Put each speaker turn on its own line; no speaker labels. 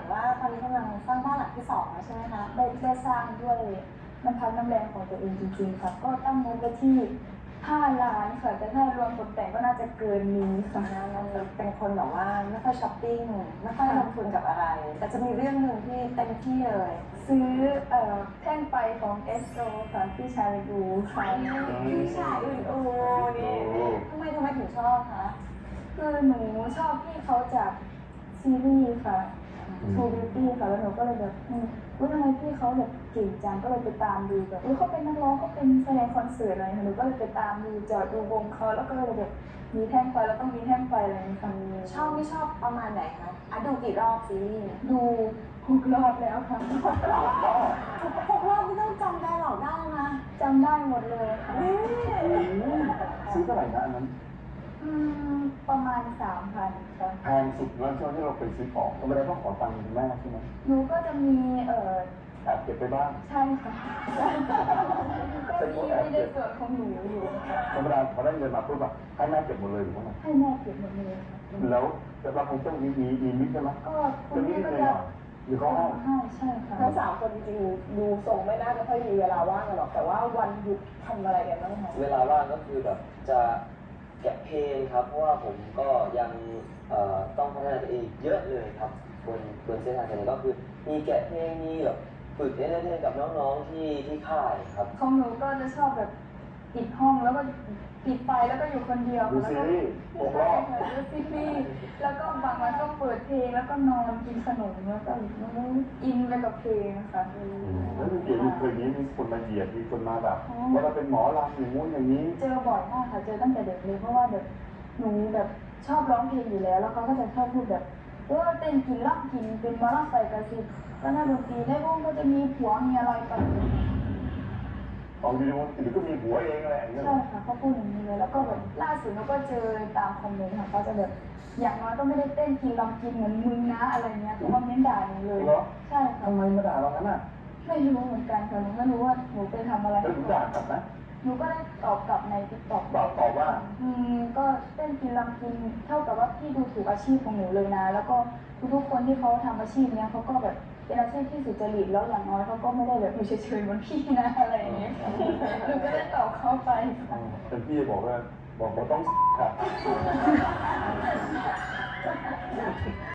ว่าตอนนี้กำลังสร้างบ้านหลังที่2แล้วใช่ไหมคะ
ได้สร้างด้วยน้ำพักน้ำแรงของตัวเองจริงๆค่ะก็ตั้งงบไว้ที่5 ล้านค่ะแต่ถ้ารวมตกแต่งก็น่าจะเกินนี้ค่ะ
เราเป็นคนแบบว่าไม่ค่อยช้อปปิ้งไม่ค่อยลงทุนกับอะไร แต่จะมีเรื่องหนึ่งที่เต็มที่เลย
ซื้อแท่งไฟของเอสโตรค่ะที่ชาลดูค่ะ
พี่ชายอื่นโอ้นี่ทำไมถึงชอบคะ
คือหนูชอบพี่เขาจากซีรีส์ค่ะ True Beauty ค่ะแล้วหนูก็เลยแบบทำไมพี่เขาแบบเก่งจังก็เลยไปตามดูแบบเขาเป็นนักร้องเขาเป็นแสดงคอนเสิร์ตอะไรหนูก็เลยไปตามดูจอดดูวงเขาแล้วก็เลยแบบมีแท่งไฟแล้วต้องมีแท่งไฟอะไรในคำนี้
ชอบไม่ชอบประมาณไหนคะดูกี่รอบซีรีส์
ดู6 รอบแล้วค่ะ
6 รอบไม่ต้องจำได้หรอกได้นะ
จำได้หมดเลยค่ะ
ซื้อเท่าไหร่นะอันนั้น
ประมาณ 3,000ค่ะ
แพงสุดแล้วช่วงที่เราไปซื้อของธรรมดาต้องขอตังค์คุณแม่ใช่ไหม
หนูก็จะมี
แอบเก็บไปบ้าง
ใช่ค่ะก็มีในส่วนของหนูอยู่ค่ะ
ธรรมดาพอได้เงินมาปุ๊บอะให้แม่เก็บหมดเลยหรือเปล่า
ให้แม่เก็บหมดเลยค่ะ
แล้วแต่เราคงต้องมีมิตรใช่ไหม
ก็คุณแม่ก็จะ
หรือเขาให้
ใช่ค่ะ
ทั้ง3 คนจริงๆดูทรงไม่น่าจะค่อยมีเวลาว่างกันหรอกแต่ว่าวันหยุดทำอะไรกันบ้างคะ
เวลาว่างก็คือแบบจะแกะเพลงครับ เพราะว่าผมก็ยังต้องพัฒนาตัวเองเยอะเลยครับบนเส้นทางนี้ก็คือมีแกะเพลงมีแบบฝึกเล่นๆกับน้องๆที่ค่ายครับ
ของหนูก็จะชอบแบบปิดห้องแล้วก็ปิดไฟแล้วก็อยู่คนเดียว
ดู
แล้ว
ซี
ก็
รีส์6 รอบ
ดูซีรีส์แล้วก็บางวันก็เปิดเพลงแล้วก็นอนกินขนมแล้วก็อินไปกับเพลงค่ะ
แล้วมีเกี่ยวกับเคยนี้มีคนมาเหยียดมีคนมาแบบว่าเราเป็นหมอลำอย่างงู้นอย่างนี้
เจอบ่อยมากค่ะเจอตั้งแต่เด็กเลยเพราะว่าแบบหนูแบบชอบร้องเพลงอยู่แล้วแล้วเขาก็จะชอบพูดแบบเต้นกินรับกินเป็นมาราไซกระซิบแล้วนักดนตรีได้วงก็จะมีผัวมีอะไรไป
ของดีมันหรือก็มีหัวเองอะไรอย่างเงี้ย
ใช่ค่ะเขาพูดอย่างนี้เลยแล้วก็แบบล่าสุดเราก็เจอตามคอมเมนต์ค่ะเขาจะแบบอย่างน้อยก็ไม่ได้เต้นกินรำกินเหมือนมึงนะอะไรเงี้ยเขาคอมเมนต์ด่าหนูเลยใช่ค่ะ
ทำไมมาด่าเรางั้นอ่ะ
ไม่รู้เหมือนกันค่ะหนูไม่รู้ว่าหนูไปทำอะไร
แล้วถึงด่ากลับนะ
หนูก็ได้ตอบกลับในติ๊กต็อก
ตอบว่า
ก็เต้นกินรำกินเท่ากับว่าพี่ดูถูกอาชีพของหนูเลยนะ แล้วก็ทุกๆคนที่เขาทำอาชีพเนี้ยเขาก็แบบเป็นอาชีพที่สุจริตแล้วอย่างน้อยเขาก็ไม่ได้แบบอยู่เฉยๆเหมือนพี่นะอะไรอย่างเงี้ยหนูก็ได้ตอบเขาไปค่ะ
เป็นพี่บอกว่าต้องค่ะ